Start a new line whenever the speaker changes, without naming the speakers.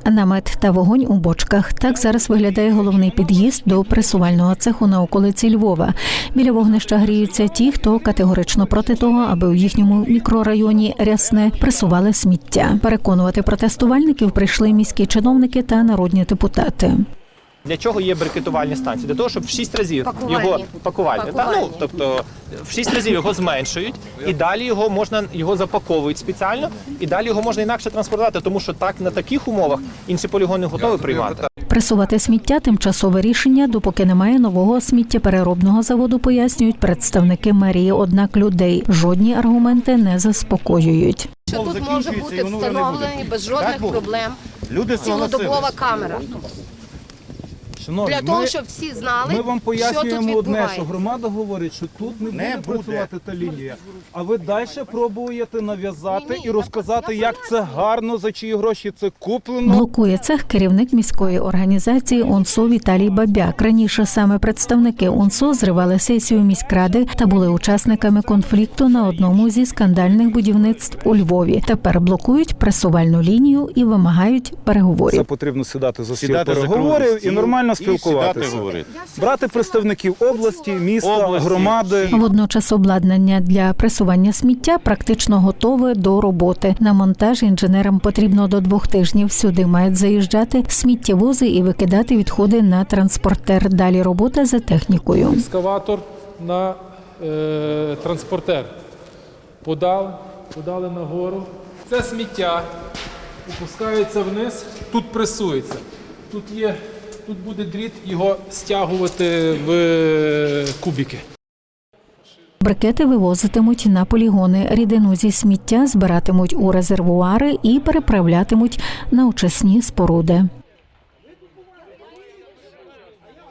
Намет та вогонь у бочках. Так зараз виглядає головний під'їзд до пресувального цеху на околиці Львова. Біля вогнища гріються ті, хто категорично проти того, аби у їхньому мікрорайоні Рясне пресували сміття. Переконувати протестувальників прийшли міські чиновники та народні депутати.
Для чого є брикетувальні станції? Для того, щоб в 6 разів його пакувальні. Тобто в 6 разів його зменшують, і далі його запаковують спеціально, і далі його можна інакше транспортувати, тому що так на таких умовах інші полігони готові приймати.
Пресувати сміття – тимчасове рішення, допоки немає нового сміттєпереробного заводу, пояснюють представники мерії. Однак людей жодні аргументи не заспокоюють.
Що тут може бути встановлений без жодних проблем цілодобова камера.
Шановні,
для того, щоб всі знали,
ми вам
що тут
пояснюємо одне,
відбувається.
що громада говорить, що тут не буде працювати та лінія. А ви далі пробуєте нав'язати і розказати, як це гарно, за чиї гроші це куплено.
Блокує цех керівник міської організації УНСО Віталій Бабяк. Раніше саме представники УНСО зривали сесію міськради та були учасниками конфлікту на одному зі скандальних будівництв у Львові. Тепер блокують пресувальну лінію і вимагають переговорів.
Це потрібно сідати за стіл переговорів і нормально спілкуватися. Брати представників області, міста, громади.
Водночас обладнання для пресування сміття практично готове до роботи. На монтаж інженерам потрібно до 2 тижнів. Сюди мають заїжджати сміттєвози і викидати відходи на транспортер. Далі робота за технікою.
Екскаватор на транспортер. Подали нагору. Це сміття опускається вниз, тут пресується. Тут буде дріт, його стягувати в кубики.
Брикети вивозитимуть на полігони. Рідину зі сміття збиратимуть у резервуари і переправлятимуть на очисні споруди.